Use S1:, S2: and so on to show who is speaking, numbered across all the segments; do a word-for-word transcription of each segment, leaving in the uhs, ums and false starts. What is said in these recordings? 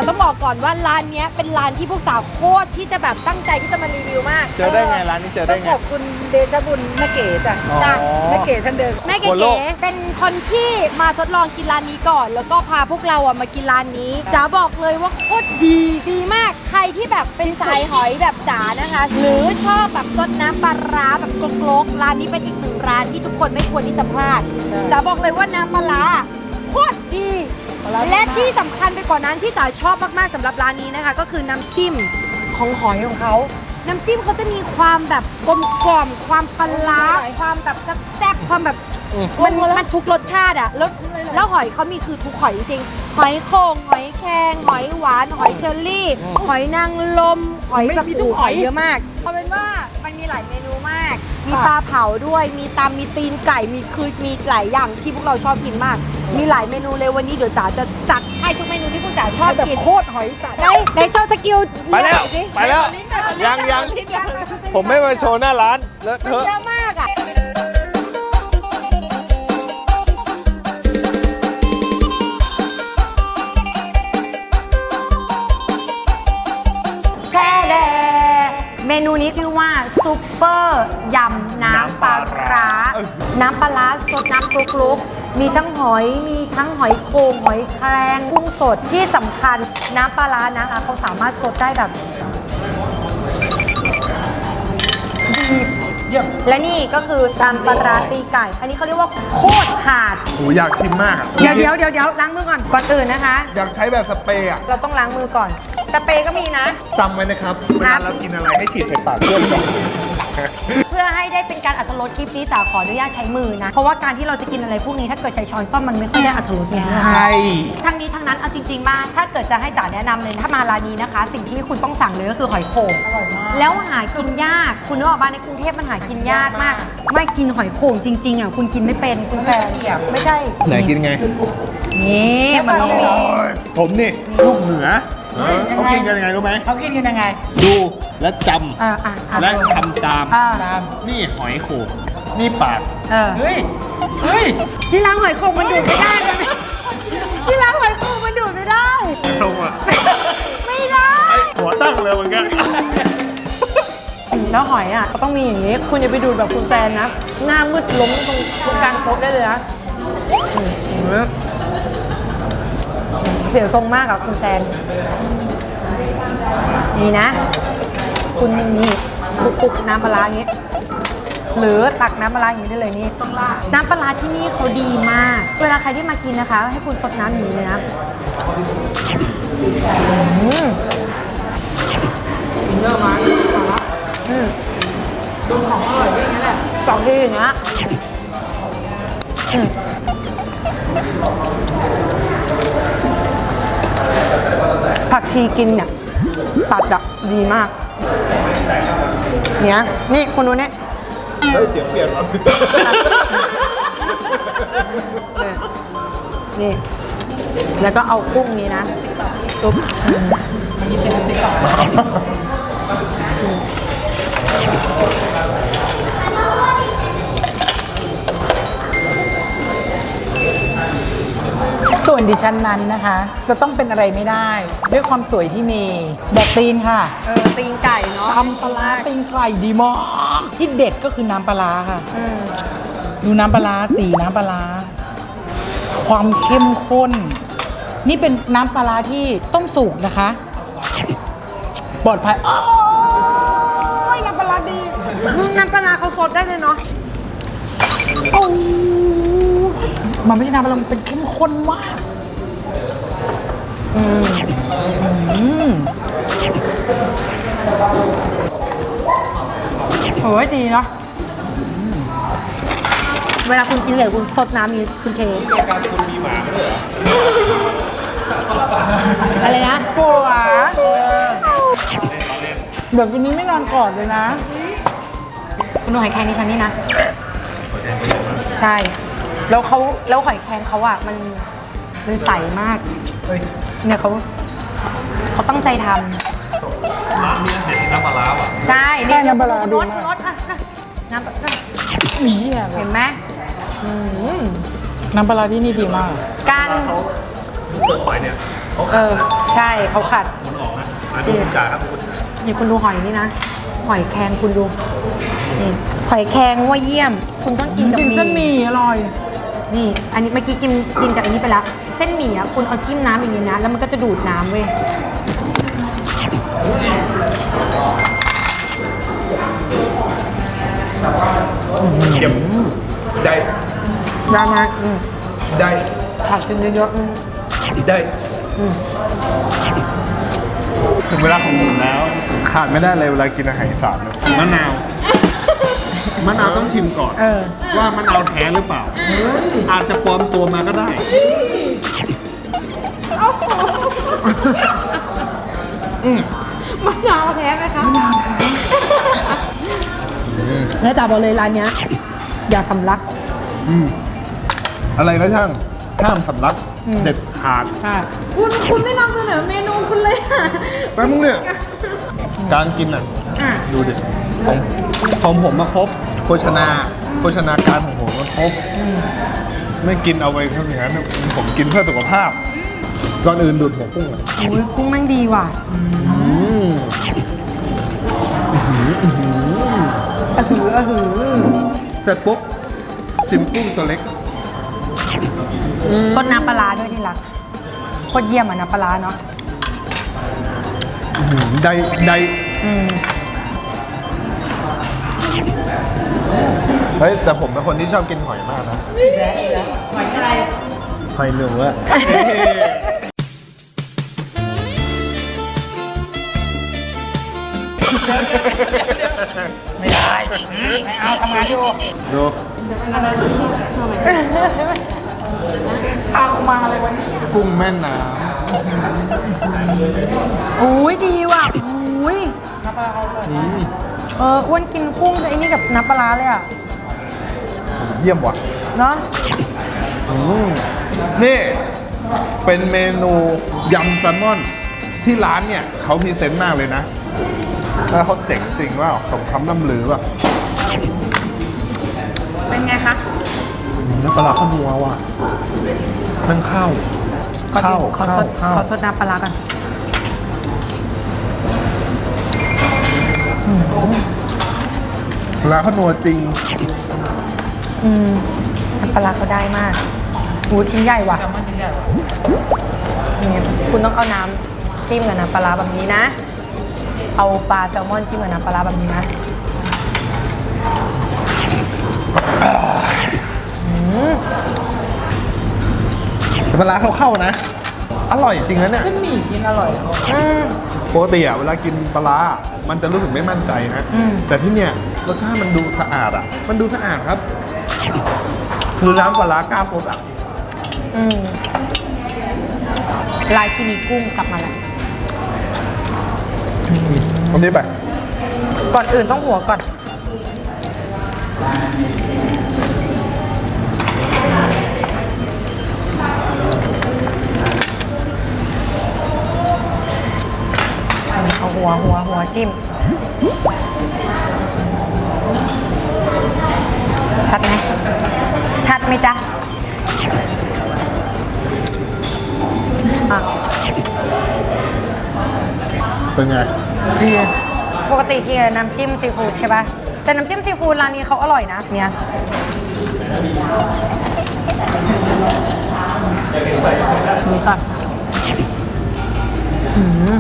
S1: ต้องบอกก่อนว่าร้านนี้เป็นร้านที่พวกสาวโคตรที่จะแบบตั้งใจที่จะมารีวิวมาก
S2: เจอได้ไงร้านนี้เจอได้ไง
S3: ขอบคุณเดชบุญแม่เก๋จ้ะ
S1: จ้ะ
S3: แม่เก๋ท่านเดิม
S1: แม่เก๋เป็นคนที่มาทดลองกินร้านนี้ก่อน แล้วก็พาพวกเราอะมากินร้านนี้จ๋าบอกเลยว่าโคตรดีดีมากใครที่แบบเป็นสายหอยแบบจ๋านะคะ หรือชอบแบบซดน้ำปลาร้าแบบกลกๆร้านนี้เป็นอีกหนึ่งร้านที่ทุกคนไม่ควรที่จะพลาดจ๋าบอกเลยว่าน้ำปลาร้าโคตรดีและที่สำคัญไปกว่านั้นที่จ๋าชอบมากๆสำหรับร้านนี้นะคะก็คือน้ำจิ้มของหอยของเขาน้ำจิ้มเขาจะมีความแบบกลมกล่อมความปลาร้าความแบบแซ่บๆความแบบมันมันทุกรสชาติอะแล้วแล้วหอยเขามีคือทุกหอยจริงๆหอยโข่งหอยแครงหอยหวานหอยเชอรี่หอยนางรมหอยแบบทุกหอยเยอะมากเอาเป็นว่ามันมีหลายเมนูมากมีปลาเผาด้วยมีตำมีตีนไก่มีคือมีหลายอย่างที่พวกเราชอบกินมากมีหลายเมนูเลยวันนี้เดี๋ยวจ๋าจะจัดให้ทุกเมนูที่พวกจ๋าชอบกิน
S3: โคตรหอยสัตว์
S1: ไหนไหนโชว์สกิล
S2: ไปแล้วไปแล้วยังยังผมไม่มาโชว์หน้าร้านเลอะเทอะ
S1: เยอะมากอ่ะแช่แดเมนูนี้ชื่อว่าซุปเปอร์ยำน้ำปลาร้าน้ำปลาร้าสดน้ำกรุกๆมีทั้งหอยมีทั้งหอยโข่งหอยแครงกุ้งสดที่สำคัญน้ำปลาร้านะคะเขาสามารถสดได้แบบดีและนี่ก็คือตำปลาร้าตีไก่ อันนี้เขาเรียกว่าโคตรขาด
S2: โหอยากชิมมากอ่ะ
S1: เดี๋ยวเดี๋ยวเดี๋ยวเดี๋ยวล้างมือก่อนก่อนอื่นนะคะ
S2: อยากใช้แบบสเปรย์อ่ะ
S1: เราต้องล้างมือก่อนสเปรย์ก็มีนะ
S2: จำไว้นะครับเวลาเรากินอะไรให้ฉีดใส่ปากเพื่อนก่อน
S1: เพื่อให้ได้เป็นการอรรถรสคลิปนี้จ๋าขออนุญาตใช้มือนะ เพราะว่าการที่เราจะกินอะไรพวกนี้ถ้าเกิดใช้ช้อนซ่อมมันไม่ค่อยได้อรรถรสจริงๆ
S2: ใช่
S1: ทั้งนี้ทั้งนั้นเอาจริงๆมาถ้าเกิดจะให้จ๋าแนะนำเลยถ้ามาร้านนี้นะคะ สิ่งที่คุณต้องสั่งเลยก็คือหอยโข่งอร่อยมากแล้วหากินยากคุณนึกออกบ้านในกรุงเทพมันหากินยากมาก ไม่กินหอยโข่งจริงๆอ่ะคุณกินไม่เป็นคุณแฟนไม่ใช่
S2: ไหนกินไง
S1: นี่มันต้องมี
S2: ผมนี่ลูกเหนือเขากินกันยังไงรู้ไหม
S3: เขากินกันยังไง
S2: ดูและจ
S1: อ่าอ่าอ่า
S2: ำและทำตาม
S1: อ่า
S2: นี่หอยโข่งนี่ปาก
S1: เออ
S3: เฮ้ย เฮ้ย
S1: ที่ล้างหอยโข่งมันดูดไม่ได้เลยที่ล้างหอยโข่งมันดูดไม่ได้
S2: ชงอ่ะ
S1: ไม่ได้
S2: หัวตั้งเลยเหมือนกัน
S1: แล้วหอยอ่ะก็ต้องมีอย่างนี้ คุณอย่าไปดูดแบบคุณแฟนนะ หน้ามืดล้มตรงตรงกลางโต๊ะได้เลยนะอืมเสียทรงมากอะคุณแฟนนี่นะ คุณนี่คลุกๆน้ำปลาร้าอย่างนี้ หรือตักน้ำปลาร้าอย่างนี้ได้เลยนี่น้ำปลาร้าที่นี่เขาดีมาก เวลาใครที่มากินนะคะ ให้คุณซดน้ำอย่างนี้เลยนะอืมเยอะมากอืมดูของอร่อยอย่างนี้แหละสองทีอย่างเงี้ยอืมผักชีกินเนี่ยตัดอะดีมากเนี่ยนี่คุณดูเนี่ย
S2: เฮ้ยเสียงเปลี่ยนว่ะ
S1: นี่แล้วก็เอากุ้งนี้นะซุปมันยี่สิบนาทีก่อน
S3: ส่วนดิฉันนั้นนะคะ จะต้องเป็นอะไรไม่ได้ ด้วยความสวยที่มีแดกตีนค่ะ
S1: เออตีนไก่เนาะ
S3: ทำปลาร้าตีนไก่ดีมากที่เด็ดก็คือน้ำปลาร้าค่ะ
S1: อืม
S3: ดูน้ำปลาร้าสีน้ำปลาร้าความเข้มข้น นี่เป็นน้ำปลาร้าที่ต้มสุกนะคะ ปลอดภัยโอ้ยน้ำปลาร้าดี
S1: น้ำปลาร้าเขาสดได้เลยเนาะ
S3: โอ้มันไม่ใช่น้ำปลาร้ามันเป็นเข้มข้นมากอืมอืม
S1: โอ้ยดีเนาะเวลาคุณกินเสร็จคุณสดน้ำมีคุณเชฟการคุณมีหมาด้วยเหรออะไรนะปัวเออ
S3: เดี๋ยววันนี้ไม่นอนกอดเลยนะ
S1: คุณดูหอยแครงดิฉันนี่นะ ใช่ แล้วเขาแล้วหอยแครงเขาอ่ะมันมันใสมากเนี่ยเขาเขาตั้งใจทำร้านนี้เห็นน้ำปลาร้าอ่ะใช่
S3: ใช่น้ำปลาร้าดี
S1: รส
S3: มาก
S1: รสอ่ะน้ำปลาร้า
S3: นี่
S1: เห็นไหมอืม
S3: น้ำปลาร้าที่นี่ดีมาก
S1: การ
S2: เปลือกหอยเนี่ย
S1: เออใช่เขาขัด
S2: มันออกนะมาดูจ่าครับคุณ
S1: นี่คุณดูหอยนี่นะ หอยแครงคุณดูนี่หอยแครงว่าเยี่ยม คุณต้องกินกับ
S3: กิน
S1: หมี่
S3: เส้นหมี่อร่อย
S1: นี่ อันนี้เมื่อกี้กินกินกับอันนี้ไปแล้ว เส้นหมี่อ่ะคุณเอาจิ้มน้ำอย่างนี้นะ แล้วมันก็จะดูดน้ำเว้ย
S2: เยี่ยมได้
S1: ได้มากอืม
S2: ได้
S1: ผักชิ้นเยอะๆอืม
S2: ได้ถึงเวลาของผมแล้ว ขาดไม่ได้เลยเวลากินอาหารอีสานเนี่ยมะนาว มะนาวต้องชิมก่อน
S1: เออ
S2: ว่ามะนาวแท้หรือเปล่า อาจจะปลอมตัวมาก็ได้
S1: มะนาวแท้ไหมคะมะนาวแท้แล้วจ่าบอกเลยร้านเนี้ยอย่าทำรัก
S2: อะไรก็ช่างห้ามสำลักเด็ดขาด
S1: ค่ะ
S3: คุณคุณไม่นำเสนอเมนูคุณเลยอ่ะ
S2: แป๊บนึงเนี่ยการกินอ่ะ
S1: อ่ะ
S2: ดูดิของของผมมาครบโภชนาโภชนาการของผมมันครบไม่กินเอาไปเท่าอย่างนั้นผมกินเพื่อสุขภาพก่อนอื่นดูดหัวกุ้งอ่ะ
S1: โอ้ยกุ้งแม่งดีว่ะ
S2: อืม
S1: อะหืออะหือ
S2: เสร็จปุ๊บชิมกุ้งตัวเล็ก
S1: ซดน้ำปลาร้าด้วยที่รักโคตรเยี่ยมอ่ะน้ำปลาร้าเนาะ
S2: อื้อหือได้ได้
S1: อืม
S2: เฮ้ยแต่ผมเป็นคนที่ชอบกินหอยมากนะ
S3: หอยอะไร
S2: หอยเหนืออะ
S3: ไม่ได้ ไม่เอาทำงานอยู่
S2: ดู
S3: เอามาอะไรวันนี้
S2: กุ้งแม่น้
S1: โอ้ยดีว่ะโอ้ยเอออ้วนกินกุ้งกับไอ้นี่กับน้ำปลาร้าเลยอ่ะ
S2: ำเยี่ยมว่ะ
S1: เนาะ
S2: อืมนี่เป็นเมนูยำแซลมอนที่ร้านเนี่ยเขาพรีเซนต์มากเลยนะแล้วเขาเจ๋งจริงว่าสมคำล่ำลือว่ะ
S1: เป็นไงคะ
S2: น้ำปลาร้าข้าวนัวว่ะมันเข้า
S1: ขอ
S2: เข้า
S1: ขอ
S2: เข้า
S1: สด
S2: เข้า
S1: ขอสดน้ำปลาร้ากัน
S2: ปลาร้าข้าวนัวจริง
S1: อืมน้ำปลาร้าเขาได้มากหูชิ้นใหญ่ว่ะนี่คุณต้องเอาน้ำจิ้มกับน้ำปลาร้าแบบนี้นะ เอาปลาแซลมอนจิ้มกับน้ำปลาร้าแบบนี้นะ
S2: ปลาร้าเข้าๆนะ อร่อยจริงนะเนี่ย
S3: เส้นหมี่กินอร่อย
S1: อืม
S2: ปกติอะเวลากินปลาร้ามันจะรู้สึกไม่มั่นใจนะ
S1: อืม
S2: แต่ที่เนี่ยรสชาติมันดูสะอาดอะมันดูสะอาดครับ คือร้านปลาร้ากล้าพดอะ
S1: อืมลายชินีกุ้งกลับมาแล้ว
S2: อันนี้ไป
S1: ก่อนอื่นต้องหัวก่อน เอาหัวหัวหัวจิ้ม ชัดไหมชัดไหมจ๊ะอ่ะ
S2: เป็นไง
S1: ดีปกติกินกับน้ำจิ้มซีฟู้ดใช่ป่ะ แต่น้ำจิ้มซีฟู้ดร้านนี้เขาอร่อยนะ เนี่ยนี่ก่อนอืม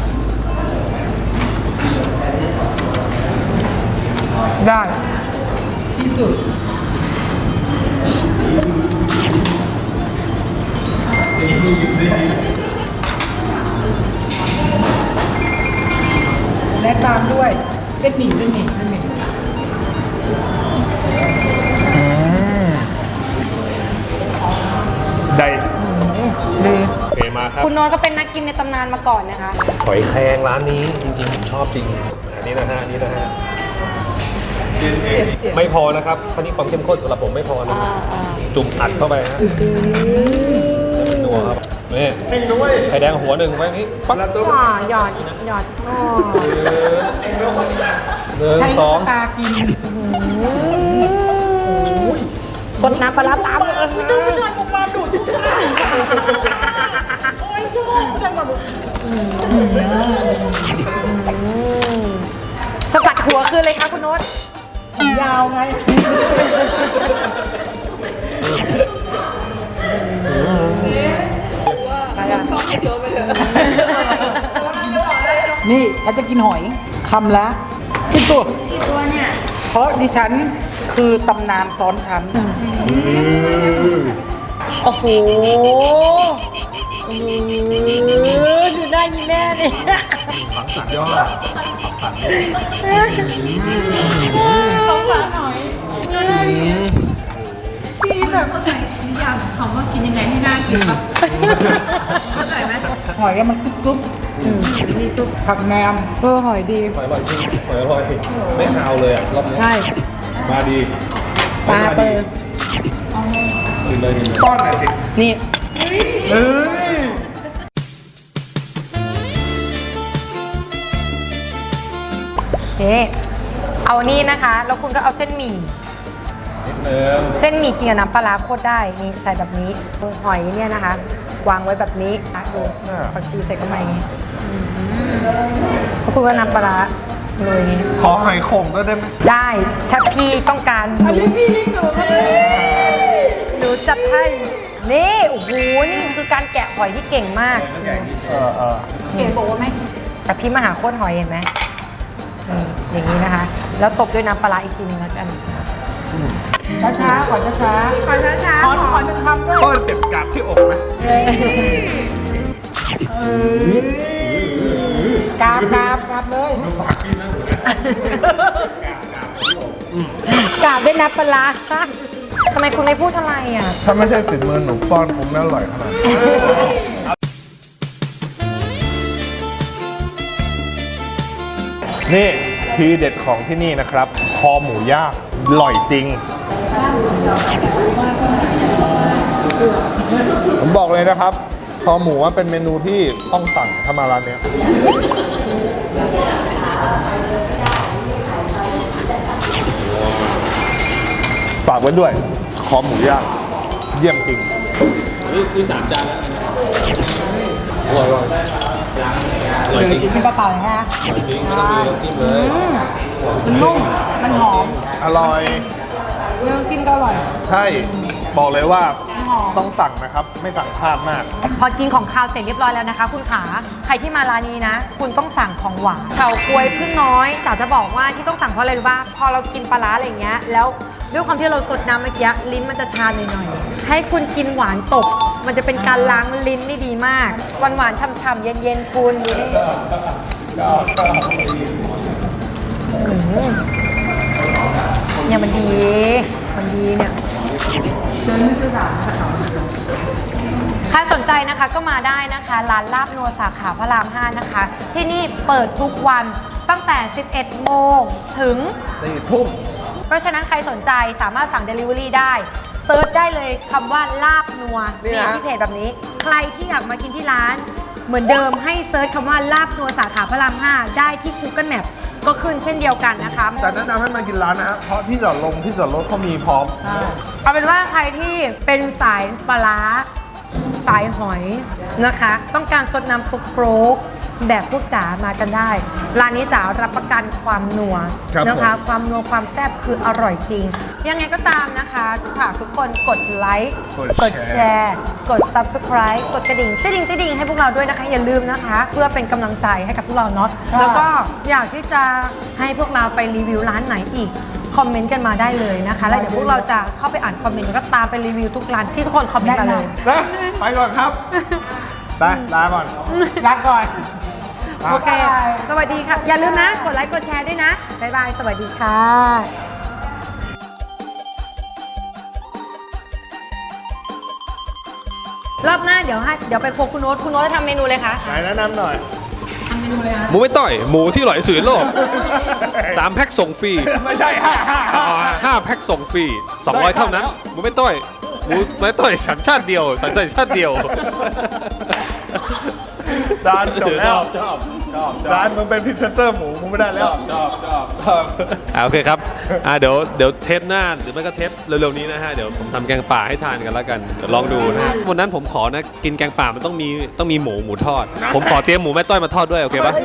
S1: ได้
S3: ที่สุด และตามด้วยเส้นหมี่เส้นหมี่เส้นหมี่
S2: ได้
S1: ดี
S2: โอเคมาครับ
S1: คุณโนนก็เป็นนักกินในตำนานมาก่อนนะคะ
S2: หอยแครงร้านนี้จริงๆผมชอบจริง อันนี้นะฮะอันนี้นะฮะ ไม่พอนะครับคราวนี้ความเข้มข้นสำหรับผมไม่พอนะ จุ่มอัดเข้าไปฮะนัวครับนี่ไข่แดงหัวหนึ่งไว้นี้ปั๊บ
S1: ว้าหยอดหยอดอ๋อ
S2: หนึ่ง
S3: ใช้
S2: สอง
S3: น้ำตากิน
S1: สดน้ำปลาร้าตามเลย
S3: ผู้ชายผู้ชายผมมาดูดโอ้ยชอบ
S1: โจนไปเถอะ
S3: นี่ฉันจะกินหอยคำละสิบตัว
S1: กี่ตัวเนี่ย
S3: เพราะดิฉันคือตำนานซ้อนชั้น
S1: โอ้โหโอ้โหดูหน้ายีแม่เนี่ย
S2: สุดยอด
S1: สงสารหน่อยพี่แบบเข้าใจนิยามของคำว่ากินยังไงให้น่ากินปะเข้าใจไหม
S3: หอยมันกรึบกรึบมีซุปผักแหนม
S1: เออหอยดี
S4: หอยอร่อยจริงหอยอร่อยไม่คาวเลยอ่ะรอบนี้
S1: ใช่
S4: มาดี
S1: ปลาเปิด
S4: กินเลยกินเลย
S2: ป้อนหน่อยสิ
S1: นี่
S3: เอ้ย
S1: เอ๊เอานี่นะคะ แล้วคุณก็เอาเส้นหมี่
S4: นิดนึง
S1: เส้นหมี่กินกับน้ำปลาร้าโคตรได้ นี่ใส่แบบนี้หอยเนี่ยนะคะ วางไว้แบบนี้อ่ะดูผักชีใส่เข้าไปอย่างนี้อืมแล้วคุณก็น้ำปลาร้าโรยอย่างนี้
S2: ขอหอยโข่งก็ได้ไหม
S1: ได้ ถ้าพี่ต้องการห
S3: อัน
S1: นู
S3: นี้พี่ลิงหนูมาเลย
S1: หนูจัดให้ นี่ โอ้โห นี่คือการแกะหอยที่เก่งมาก
S2: เออเออ
S1: เก๋บอกว่าไหมแต่พี่มาหาโคตรหอยเห็นไหมนี่อย่างนี้นะคะ แล้วตบด้วยน้ำปลาร้าอีกทีหนึงแล้วกัน
S3: ช้าช้าๆขอช้าช้า
S1: ขอช้า
S3: ๆขอขอหนึ่งคำด้วย
S2: ป้อนเจ็บกาบที่อกไหม
S3: กราบกราบกราบเลย
S1: กราบด้วยน้ำปลาร้าทำไมคุณไม่พูดอะไรอ่ะ
S2: ถ้าไม่ใช่ฝีมือหนูป้อนคงไม่อร่อยขนาดนี้นี่ทีเด็ดของที่นี่นะครับ คอหมูย่างอร่อยจริง ผมบอกเลยนะครับ คอหมูว่าเป็นเมนูที่ต้องสั่งถ้ามาร้านเนี้ยฝากไว้ด้วย คอหมูย่างเยี่ยมจริง
S4: นี่นี่สามจานแล้วนะอร่อยอร่อยอร่อย
S3: เดี๋ยว
S4: จริง
S3: กินเปล่าๆนะฮะ
S4: อร่อยจริงไม่ต้องมีน้ำจิ้มเลย
S3: มันนุ่มมันหอม
S2: อร่อย
S1: เรื่องจิ้มก็อร่อย
S2: ใช่ บอกเลยว่าต้องสั่งนะครับ ไม่สั่งพลาดมาก
S1: พอกินของคาวเสร็จเรียบร้อยแล้วนะคะ คุณขาใครที่มาร้านนี้นะ คุณต้องสั่งของหวานเฉาก๊วยพึ่งน้อยจ๋าจะบอกว่าที่ต้องสั่งเพราะอะไรรู้ป่ะพอเรากินปลาร้าอะไรอย่างเงี้ยแล้วด้วยความที่เราสดน้ำเมื่อกี้ลิ้นมันจะชาหน่อยๆให้คุณกินหวานตบ มันจะเป็นการล้างลิ้นได้ดีมากหวานหวานๆฉ่ำๆเย็นๆคุณดูนี่อื้อหือเนี่ยมันดีมันดีเนี่ย ใครสนใจนะคะก็มาได้นะคะ ร้านลาบนัวสาขาพระรามห้านะคะ ที่นี่เปิดทุกวันตั้งแต่ สิบเอ็ดโมงถึง
S2: สี่ทุ่ม
S1: เพราะฉะนั้นใครสนใจสามารถสั่ง Delivery ได้เซิร์ชได้เลยคำว่าลาบนัว
S2: นี่
S1: มี
S2: นะ
S1: ที่เพจแบบนี้ ใครที่อยากมากินที่ร้าน เหมือนเดิมให้เซิร์ชคำว่าลาบนัวสาขาพระรามห้าได้ที่ Google Map ก็ขึ้นเช่นเดียวกันนะคะ
S2: แต่แนะนำให้มากินร้านนะฮะเพราะที่จอดลงที่จอดรถเขามีพร้อม
S1: เอาเป็นว่าใครที่เป็นสายปลาร้าสายหอยนะคะ ต้องการสดน้ำซุปโปรกแบบพวกจ๋ามากันได้ ร้านนี้จ๋ารับประกันความนัว
S2: ครับ
S1: นะคะ
S2: ผม
S1: ความนัวความแซ่บคืออร่อยจริง ยังไงก็ตามนะคะฝากทุกคนกดไลค์กดแชร์ กด Subscribe กดกระดิ่งติ๊ดดิ่งติ๊ดดิ่งให้พวกเราด้วยนะคะ อย่าลืมนะคะ เพื่อเป็นกำลังใจให้กับพวกเราเนาะแล้วก็อยากที่จะให้พวกเราไปรีวิวร้านไหนอีก คอมเมนต์กันมาได้เลยนะคะ แล้วเดี๋ยวพวกเราจะเข้าไปอ่านคอมเมนต์แล้วก็ตามไปรีวิวทุกร้านที่ทุกคนคอมเมนต์มาเลย
S2: นะไปก่อนครับ ไปลาก่อน
S3: ลาก่อน
S1: โอเค สวัสดีค่ะ อย่าลืมนะ กดไลค์ กดแชร์ด้วยนะ บ๊ายบาย สวัสดีค่ะ รอบหน้าเดี๋ยวให้เดี๋ยวไปโครัวคุณโน้ตคุณโน้ตจะทำเมนูเลยคะ
S2: ไหนแนะนำหน่อย
S4: หมูไม่ต่อย หมูที่อร่อยที่สุดในโลกสามแพ็คส่งฟรี
S2: ไม่ใช่ห้าห้า
S4: อ่าห้าแพ็คส่งฟรีสองร้อยเท่านั้น หมูไม่ต่อย หมูไม่ต่อยสัญชาติเดียว สัญชาติเดียว
S2: ร้านจบแล้ว
S4: ชอบชอบ
S2: ร้านมึงเป็นพรีเซนเตอร์หมูมึงไม่ได้แล้ว
S4: ชอบชอบชอบอ่าโอเคครับอ่าเดี๋ยวเดี๋ยวเทปหน้าหรือไม่ก็เทปเร็วๆนี้นะฮะเดี๋ยวผมทำแกงป่าให้ทานกันแล้วกันเดี๋ยวลองดูนะฮะวันนั้นผมขอนะกินแกงป่ามันต้องมีต้องมีหมูหมูทอด ผมขอเตรียมหมูแม่ต้อยมาทอดด้วยโอเคปะ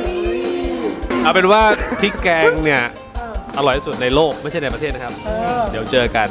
S4: เอาเป็นว่าพริกแกงเนี่ยอร่อยที่สุดในโลกไม่ใช่ในประเทศนะครับ เดี๋ยวเจอกัน